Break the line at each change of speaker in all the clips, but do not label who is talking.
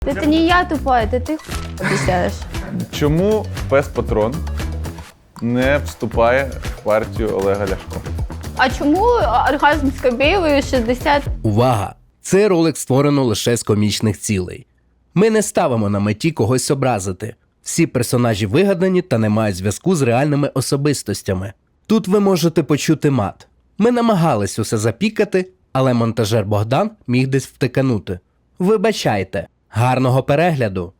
Это не я тупая, это ты обіцяєш.
Чому пес Патрон не вступає в партію Олега Ляшко?
А чому оргазм з Кобєєвою 60?
Увага! Цей ролик створено лише з комічних цілей. Ми не ставимо на меті когось образити. Всі персонажі вигадані та не мають зв'язку з реальними особистостями. Тут ви можете почути мат. Ми намагались усе запікати, але монтажер Богдан міг десь втиканути. Вибачайте. Гарного перегляду!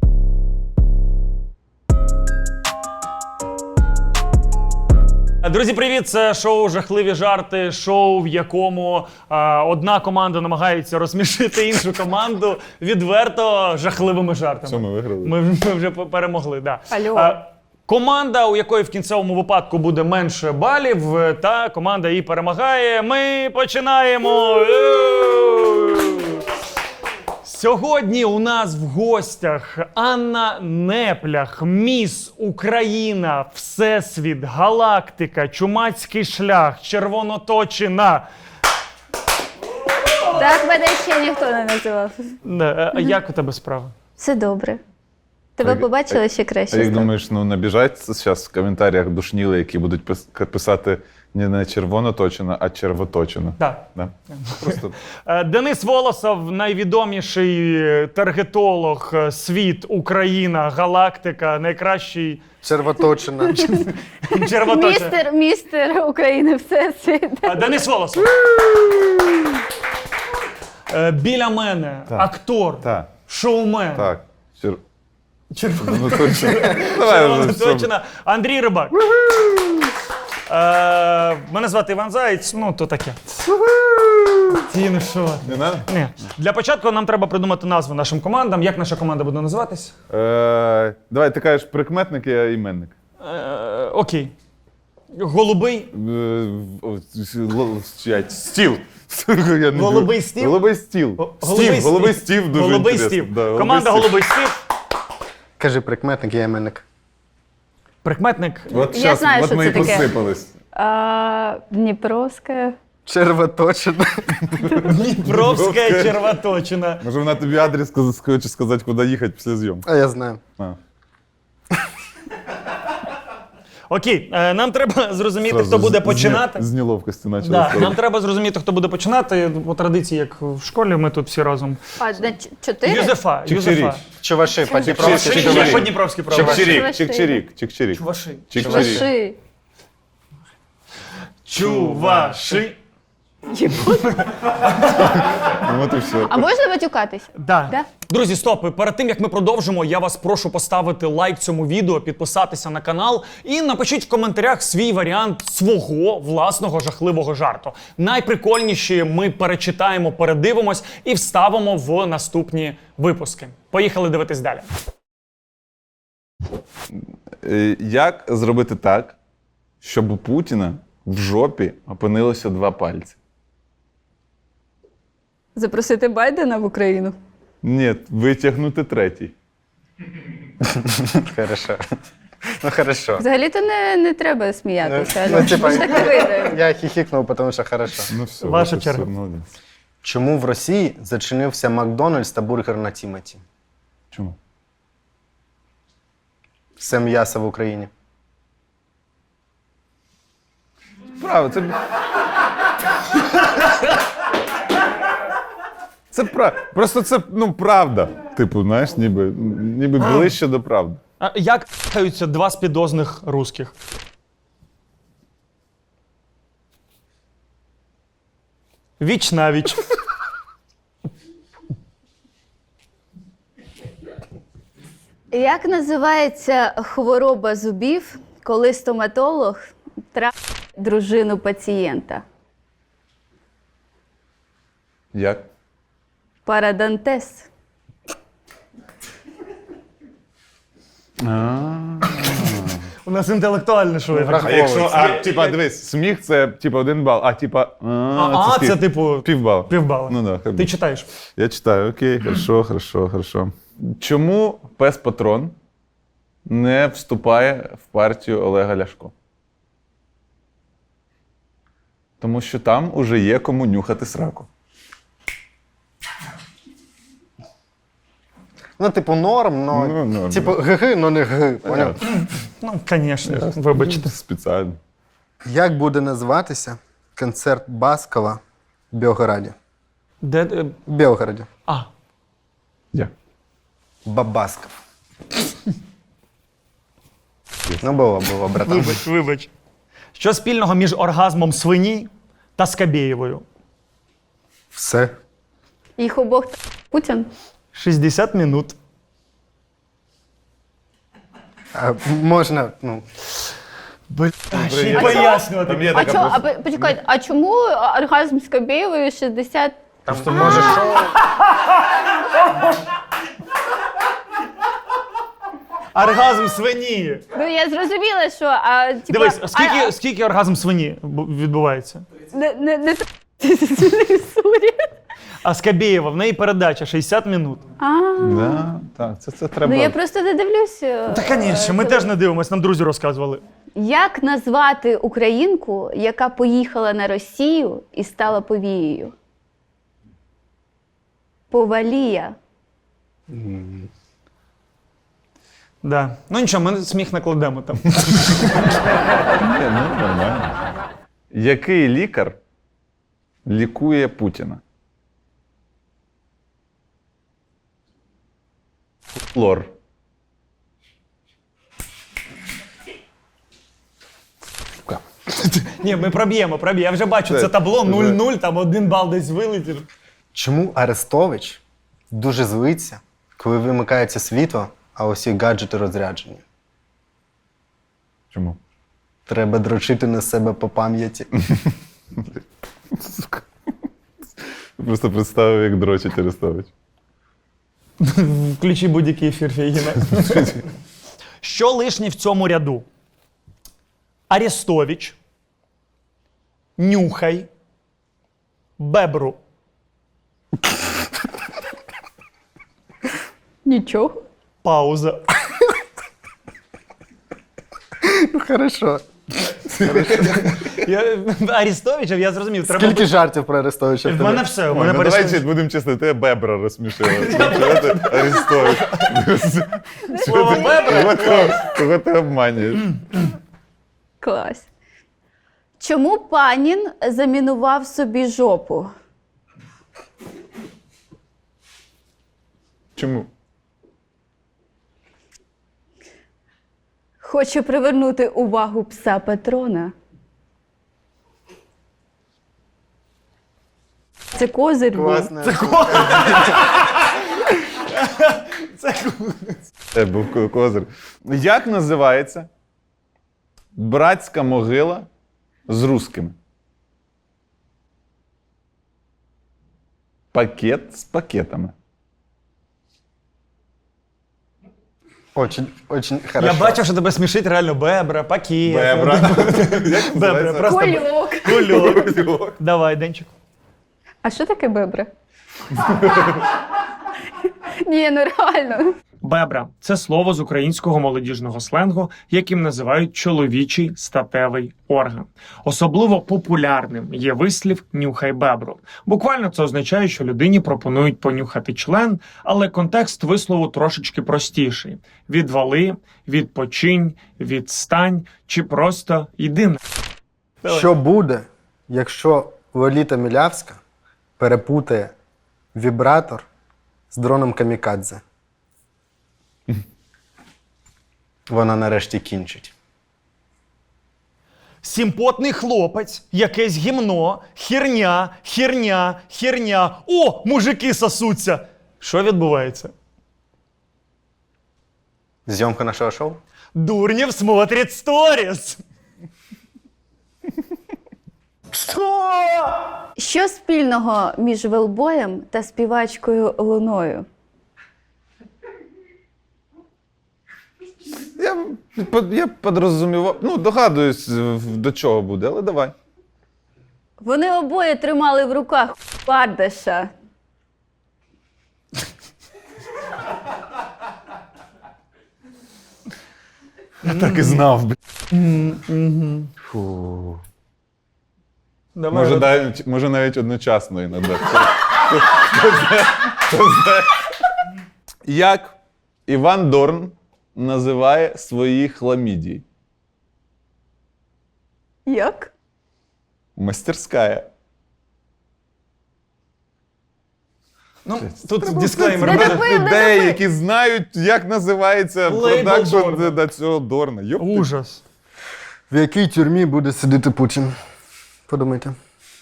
Друзі, привіт! Це шоу «Жахливі жарти», шоу, в якому одна команда намагається розсмішити іншу команду відверто жахливими жартами.
Все, ми виграли.
Ми вже перемогли, да.
Алло.
Команда, у якої в кінцевому випадку буде менше балів, та команда її перемагає. Ми починаємо! Сьогодні у нас в гостях Анна Неплях, Міс Україна, Всесвіт, Галактика, Чумацький шлях, Червоноточина.
Так мене ще ніхто не називав.
А як у тебе справа?
Все добре. Тебе побачила ще краще.
А як
стало.
думаєш, набіжать зараз в коментарях душніли, які будуть писати не червоноточина, а червоточина?
Так.
Да? Просто
Денис Волосов, найвідоміший таргетолог, світ, Україна, Галактика, найкращий
Червоточина.
червоточина.
Містер України, Всесвіт.
Денис Волосов. Біля мене актор,
так,
шоумен.
так.
Червоноточина.
Давай вже все.
Червоноточина. Андрій Рибак. Мене звати Іван Заєць, ну то таке. Ті, ну що?
Не надо?
Ні. Для початку нам треба придумати назву нашим командам. Як наша команда буде називатись?
Давай, ти кажеш прикметник, я іменник.
Окей. Голубий.
Стіл. Я не
Голубий
люблю.
стіл?
Голубий стіл. Голубий стіл дуже
Голубий
інтересно.
стів.
Да,
Команда
стіл.
Голубий стів.
Кажи прикметник, я іменник.
Прикметник.
От
Я
зараз,
знаю,
от
що
ми
це
і
таке.
посипались.
Дніпровська.
Червоточина.
Дніпровська червоточина.
Може вона тобі адрес хоче сказати, куди їхати після зйомки?
А я знаю.
Окей, нам треба зрозуміти, хто буде починати.
З неловкості почали.
Да, нам треба зрозуміти, хто буде починати. По традиції, як в школі, ми тут всі разом.
А, 4?
Юзефа.
Чик-чирік.
Чуваши, по-дніпровськи.
Чуваши.
Як по-дніпровськи правильно?
Чик-чирік, чик-чирік, чик-чирік.
Чуваши.
Чик-чирік.
Чуваши.
Чуваши.
Ну, от і все.
А можна матюкатись?
Да.
Да?
Друзі, стоп! Перед тим, як ми продовжимо, я вас прошу поставити лайк цьому відео, підписатися на канал і напишіть в коментарях свій варіант свого власного жахливого жарту. Найприкольніші ми перечитаємо, передивимось і вставимо в наступні випуски. Поїхали дивитись далі.
Як зробити так, щоб у Путіна в жопі опинилося 2 пальці?
Запросити Байдена в Україну.
Ні, витягнути 3-й.
Хорошо. Ну, хорошо.
Взагалі-то не треба сміятися.
Ну, типа,
так не вийде.
я хихикнув, тому що хорошо.
Ну все,
Ваша
от і
черга.
все, молодець.
Чому в Росії зачинився Макдональдс та бургер на Тімоті?
Чому?
Все м'ясо в Україні.
Право, це... Це просто це, правда. Типу, знаєш, ніби ближче до правди.
А як каються 2 спідозних русських? Віч навіч.
Як називається хвороба зубів, коли стоматолог травить дружину пацієнта?
Як?
Парадонтез.
У нас інтелектуальне шоу.
А якщо, типа, дивись, сміх це, 1 бал, а,
Це
скільки?
типу
Півбала.
півбала.
Ну да, хай
Ти
буде.
читаєш.
Я читаю, окей, хорошо. Чому пес Патрон не вступає в партію Олега Ляшко? Тому що там уже є кому нюхати сраку.
Ну, типу, норм, но
Ну,
типу ГГ, но не Г. Поняв?
Ну, звісно, вибачте.
Спеціально.
Як буде називатися концерт Баскова в Білгороді?
Де.
В Білгороді.
А.
Я.
Бабасков. Ну, було, братан.
Вибач. Що спільного між оргазмом свині та Скабєєвою?
Все.
Їх обох Путін.
60 минут.
А, можна, ну,
Ще й пояснювати.
Там є
А,
така
почекайте, а чому оргазм з Кабєєвою 60?
там що може що?
Оргазм свині.
Ну я зрозуміла, що типа,
Дивись, скільки оргазм свині відбувається?
не Сурі.
А Скабєєва, в неї передача 60 минут.
Да, так, це треба.
Ну я просто не дивлюся.
Та, звісно, ми теж не дивимося, нам друзі розказували.
Як назвати українку, яка поїхала на Росію і стала повією? Повалія.
Да. Ну нічого, ми сміх накладемо там.
Ні, ну, нормально. Який лікар лікує Путіна? Лор.
Ні, ми проб'ємо. Я вже бачу це табло 0-0, там 1 бал десь вилетів.
Чому Арестович дуже злиться, коли вимикається світло, а усі гаджети розряджені?
Чому?
Треба дрочити на себе по пам'яті.
Просто представив, як дрочить Арестович.
Включи будь-який ефір Фейгіна. Що лишнє в цьому ряду? Арестович, Нюхай, Бебру.
Нічого.
Пауза.
Ну, хорошо.
Арестовича, я зрозумів. Треба
Скільки жартів про Арестовича в
В
тебе?
мене все. У
Ой,
мене
ну, давай
перейшли.
будемо чесно, тебе Бебра розсмішила. Чого ти Арестович?
Слово Бебра.
Кого ти обманюєш?
Клас. Чому Панін замінував собі жопу?
Чому?
Хоче привернути увагу пса Патрона. Це козир був.
Класно.
Це був козир. Як називається братська могила з русскими? Пакет з пакетами.
Очень
Я
хорошо.
бачив, що тебе смішить реально Бебра, Пакет.
Бебра.
Бебра, просто
Кольок.
кульок. Давай, Денчик.
А що таке бебра? Ні, ну реально.
Бебра – це слово з українського молодіжного сленгу, яким називають чоловічий статевий орган. Особливо популярним є вислів «нюхай бебру». Буквально це означає, що людині пропонують понюхати член, але контекст вислову трошечки простіший. Відвали, відпочинь, відстань чи просто йди на.
Що буде, якщо Лоліта Мілявська перепутає вібратор з дроном камікадзе? Вона нарешті кінчить.
Сімпотний хлопець, якесь гімно, херня. О, мужики сосуться. Що відбувається?
Зйомка нашого шоу?
Дурнєв смотрить сторіс. Що?
Що спільного між велбоєм та співачкою Луною?
Я подрозумівав, ну, догадуюсь, до чого буде, але давай.
Вони обоє тримали в руках Бардаша.
Я так і знав, Фу.
Давай,
Може навіть одночасно іноді. Як Іван Дорн називає свої хламідії?
Як?
Мастерська.
Ну, тут дисклеймер.
Не
буде.
допи-
Людей, які знають, як називається
Лейбл
продакшн
Дорна.
до цього Дорна. Йоп ти.
Ужас.
В якій тюрмі буде сидіти Путін? Подумайте.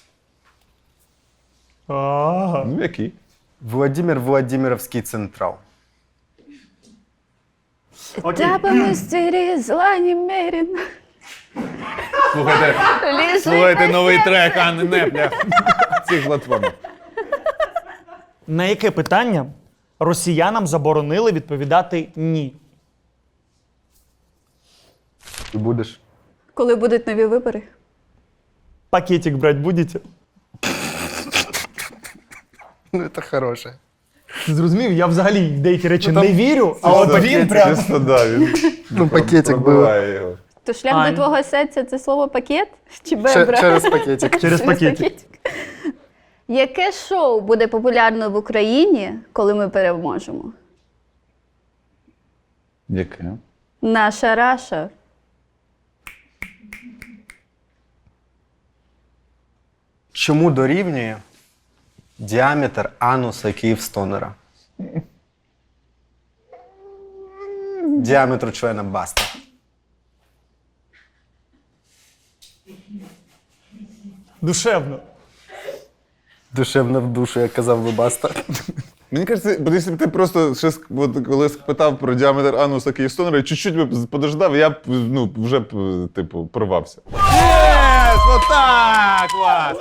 Ага.
Ну, який?
Владимир Владимировський Централ.
Тебе мистері зла немерено.
Слухайте новий трек Анни Непля. Цих платформах.
На яке питання росіянам заборонили відповідати ні?
І будеш.
Коли будуть нові вибори?
Пакетик брать будете?
Ну, це хороше.
Ти зрозумів? Я взагалі в деякі речі
там
не вірю, а от
Чисто-
він прям...
Чисто, да, він
Ну, пакетик був.
пробиває його.
То шлях
Ань.
до твого серця це слово пакет? Чи бебра?
Через пакетик.
Через пакетик.
Яке шоу буде популярно в Україні, коли ми переможемо?
Яке?
Наша Раша.
Чому дорівнює діаметр ануса Київстонера? Діаметру члена Баста.
Душевно.
Душевно в душу, як казав би Баста.
Мені кажеться, бо якщо б ти просто ще от, коли спитав про діаметр ануса Київстонера і чуть-чуть би подождав, я б ну, вже б, типу, порвався. Єс! Отак! Клас!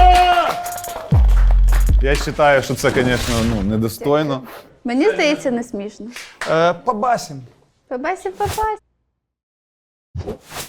Я вважаю, що це, звісно, ну, недостойно.
Мені здається, не смішно.
Побасім.
Побасі, побасі.